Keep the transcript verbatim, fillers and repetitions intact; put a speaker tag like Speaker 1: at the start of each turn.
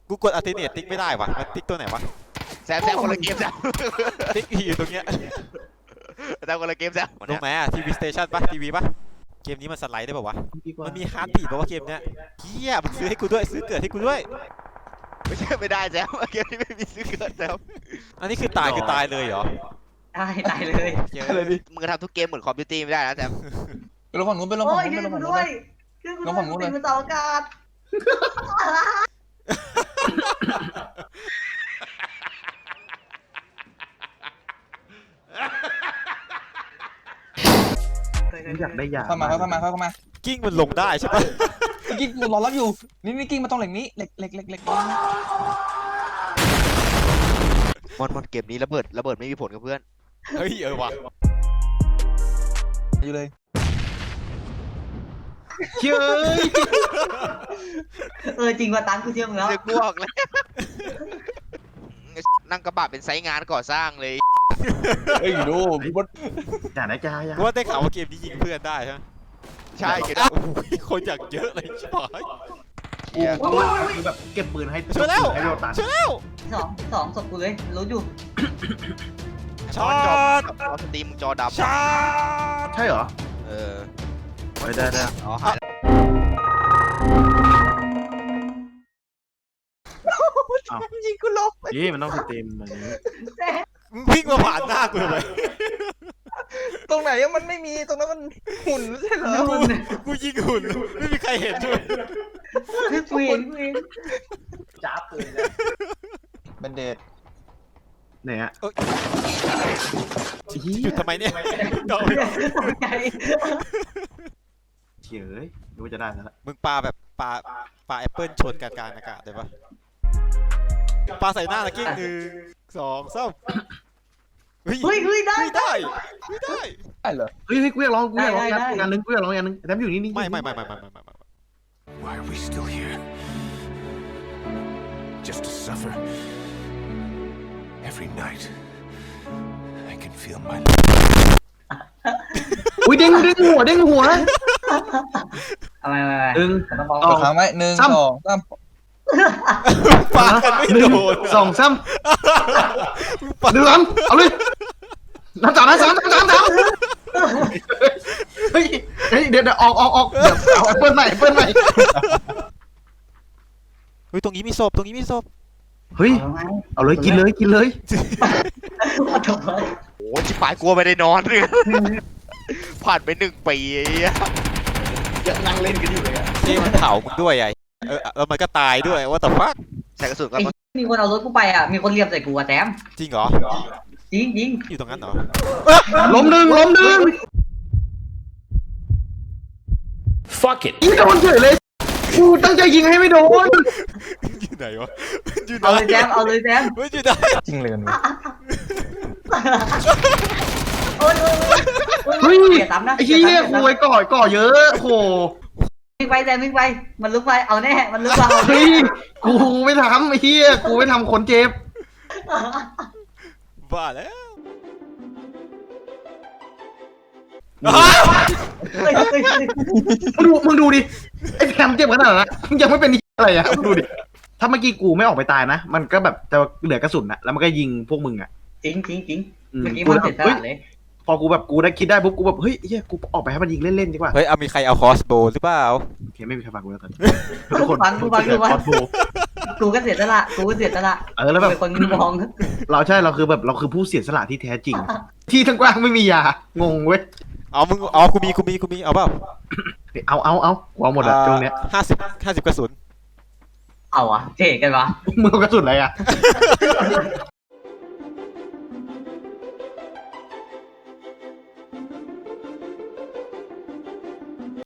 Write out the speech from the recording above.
Speaker 1: กูกดอัลเทอร์เนทติ๊กไม่ได้วะมันติ๊กตัวไหนวะ
Speaker 2: แซมแซมคนละเกมแซม
Speaker 1: ติ๊กอยู่ตรงเนี้ย
Speaker 2: แซมคนละเกมแซม
Speaker 1: ตรงไหนอะทีวีสเตชันปะทีวีปะเกมนี้มันสไลด์ได้ป่าวะมันมีฮาร์ดบีทป่าวะเกมเนี้ยเฮียมันซื้อให้กูด้วยซื้อเกิดให้กูด้วย
Speaker 2: ไม่ใช่ไม่ได้แซมเกมนี้ไม่มีซื้อเกินแซม
Speaker 1: อันนี้คือตายคือตายเลยเหรอ
Speaker 3: ได้ตายเลย
Speaker 1: เยอะ
Speaker 4: อะไรดิ
Speaker 2: มึงทำทุกเกมเหมือนคอมพิวเตอร์ไม่ได้นะแซม
Speaker 4: ไปลงฝั่งนู้นไปลง
Speaker 3: โอ้
Speaker 4: ฝั่ง
Speaker 3: ย
Speaker 4: นู้น
Speaker 3: ช่
Speaker 4: ไป
Speaker 3: วย
Speaker 4: ลง
Speaker 3: กู
Speaker 4: ฝั่งนู้น
Speaker 3: ด้วยช่วยกูด้วย
Speaker 4: ลงฝั่งนู้นเลย
Speaker 3: เป็นเสาอากาศ
Speaker 5: อยากได้ยา
Speaker 4: เข้ามาเข้ามาเข้ามา
Speaker 1: กิ้งมันลงได้ใช่ปะ
Speaker 4: กิ้งกูรอรับอยู่นี่นี่กิ้งมาตรงเหล็กนี้เหล็กเหล็กเหล็กเหล็ก
Speaker 2: มอนมอนเกมนี้ระเบิดระเบิดไม่มีผลกับเพื่อน
Speaker 1: เฮ้ยเออวะ
Speaker 4: อยู่เลย
Speaker 5: เชื่อ
Speaker 3: เออจริงว่าตังกูเชื่อมึงแล้ว
Speaker 2: เสือกกูออกแล้วนั่งกระบะเป็นไซต์งานก่อสร้างเลย
Speaker 4: เฮ้ยดูพี่บด
Speaker 5: อยากได้ยายา
Speaker 1: กูว่าได้ข่าวว่าเกมนี้ยิงเพื่อนได้ใช่ไหม
Speaker 2: ใช่เกม
Speaker 1: โอ้โหคนอยากเยอะเลยชิบหาย
Speaker 2: เหี้ย
Speaker 5: กูคือแบบเก็บปืนให้
Speaker 1: ช่วยแล้ว
Speaker 5: ให้เราตัด
Speaker 1: ช่วยแล้ว
Speaker 3: สองสองศพกูเลยรู้อยู่
Speaker 1: ช็อต
Speaker 2: จอสตรีมมึงจอดำ
Speaker 1: ช็อต
Speaker 5: ใช่เหรอ
Speaker 2: เออ
Speaker 5: ไม่ได้ได้
Speaker 2: อ๋อหายแล้ว
Speaker 4: ยิงกูลบ
Speaker 5: ยี่มันต้องสตรีมแบบนี้
Speaker 1: มึงวิ่งมาผ่านหน้ากูเลย
Speaker 4: ตรงไหนมันไม่มีตรงนั้นมันหุ่นไม่ใช่เหรอ
Speaker 1: กูกูยิงหุ่นไม่มีใครเห็นด้วย
Speaker 3: กูเห็นกูเห็น
Speaker 5: จ้าปืน
Speaker 4: เบนเดด
Speaker 5: ไหนอะ
Speaker 1: เอ้ยหยุดทำไมเนี่ยโดน
Speaker 3: ตกใจ
Speaker 5: เฉยดูว่าจะได้แล้ว
Speaker 1: มึงปาแบบปาปาแอปเปิลชนกลางกลางอากาศได้ปะปาใส่หน้าตะกี้หนึ่งสองสามเฮ้ย
Speaker 3: เฮ้ยเฮ้ยได้
Speaker 1: ไม่ได้ไม่ได้
Speaker 4: ได้เหรอ
Speaker 5: เฮ้ยเฮ้ยกูอยากลองกูอยากลอง
Speaker 3: ได้ได้
Speaker 5: งานนึงกูอยากลองงานนึงแต่อยู่นี่นี่
Speaker 1: ไม่ไม่ไม่ไม่ไม่ไม่ไม่
Speaker 6: Why are we still here? Just to suffer? Every night, I can feel my
Speaker 5: อุ้ยเด้งเด้งหัวเด้งหัว
Speaker 3: อะไรอะไร
Speaker 5: หนึ่ง
Speaker 3: ต้องมอง
Speaker 5: อ๋อ
Speaker 4: ค้างไว้หนึ่งสองสาม
Speaker 1: ปากันไม่
Speaker 5: หนึ่ง
Speaker 1: โดน
Speaker 5: สองสามหนึ่งสามเอาเลยนับสามนับสามนับสามนับสามเฮ้ยเฮ้ยเดี๋ยวเดี๋ยวออกออกออกเดี๋ยวเอาเปิ้ลใหม่เปิ้ลใหม่
Speaker 1: เฮ้ยตรงนี้มีศพตรงนี้มีศพ
Speaker 5: เฮ้ยเอาเลยกินเลยกินเลย
Speaker 3: ทำไม
Speaker 2: โอ้ชิบหายกลัวไม่ได้นอนเลยผ่านไปหนึ่งปีไอ้เหี้ย
Speaker 5: ยังนั่งเล่นกันอยู่เลยอะ
Speaker 1: ที่มันเผามึงด้วยไอ้เออแล้วมันก็ตายด้วยว่าแต่ฟัก
Speaker 2: ใส่กระสุนก็
Speaker 3: ไอ้มีคนเอารถกูไปอ่ะมีคนเรียบใส่กูอ่ะแต้ม
Speaker 1: จริงเหรอ
Speaker 3: จริงจริง
Speaker 1: อยู่ตรงนั้นเหรอ
Speaker 5: ล้มหนึ่งล้มหนึ่ง
Speaker 6: Fuck it!
Speaker 5: ยิงโดนเฉยเลยกูตั้งใจยิงให้ไม่โดน
Speaker 1: อยู่ไหนวะอยู่ไหน
Speaker 3: เอาเลยแต้มเอาเลยแต้ม
Speaker 1: ไม่อยู่ไหน
Speaker 4: จริงเลยกัน
Speaker 3: โอ้ยโอ้ยโอ้ย
Speaker 5: เฮ้ย
Speaker 3: เสียซ้ำนะ
Speaker 5: ไอ้เหี้ยกูไอ้ก่อก่อเยอะโอ้โห
Speaker 3: วิ่งไปแต้มวิ่งไปมันลุกไปเอาแน่มันลุกไปเอา
Speaker 5: เฮ้ยกูไม่ทำไอ้เหี้ยกูไม่ทำคนเจ็บ
Speaker 1: บ้าแล้ว
Speaker 3: เฮ้ยเฮ้ยเฮ้ย
Speaker 5: มึงดูมึงดูดิไอ้แคมเจ็บขนาดนั้นนะมึงยังไม่เป็นอะไรอ่ะมึงดูดิถ้าเมื่อกี้กูไม่ออกไปตายนะมันก็แบบจะเหลือกระสุนนะแล้วมันก็ยิงพวกมึงอ่ะ
Speaker 3: จริงจริงจริง
Speaker 5: อืม
Speaker 3: เมื่อกี้
Speaker 5: กู
Speaker 3: มัน
Speaker 5: แบบ
Speaker 3: เสร็จต
Speaker 5: เฮ้ย
Speaker 3: ลาดเลย
Speaker 5: พอกูแบบกูได้คิดได้ปุ๊บกูแบบเฮ้ยเฮียกูออกไปให้มันยิงเล่นๆดีกว่า
Speaker 1: เฮ้ยเอามีใครเอาคอสโบหรือเปล่า
Speaker 5: โอเคไม่มีใครฟังกูแล้วกันทุกคน
Speaker 3: ฟังกูฟังกูฟัง
Speaker 5: คอสโบ
Speaker 3: กูก็เสียตลาดกูก็เสียตลาด
Speaker 5: เออแล้วแบบ
Speaker 3: เป็นคนมอง
Speaker 5: เราใช่เราคือแบบเราคือผู้เสียสละที่แท้จริง ที่ทั้งกว้างไม่มียางงเว้ย
Speaker 1: เอามึงเอากูมีกูมีกูมีเอาเปล่า
Speaker 5: เอาเอาเอากูเอาหมดอะตรงเนี้ย
Speaker 1: ห้าสิบห้าสิบกระสุน
Speaker 3: เอาอะเจ๊กันวะ
Speaker 5: มึงเอากระสุนอะไรอะ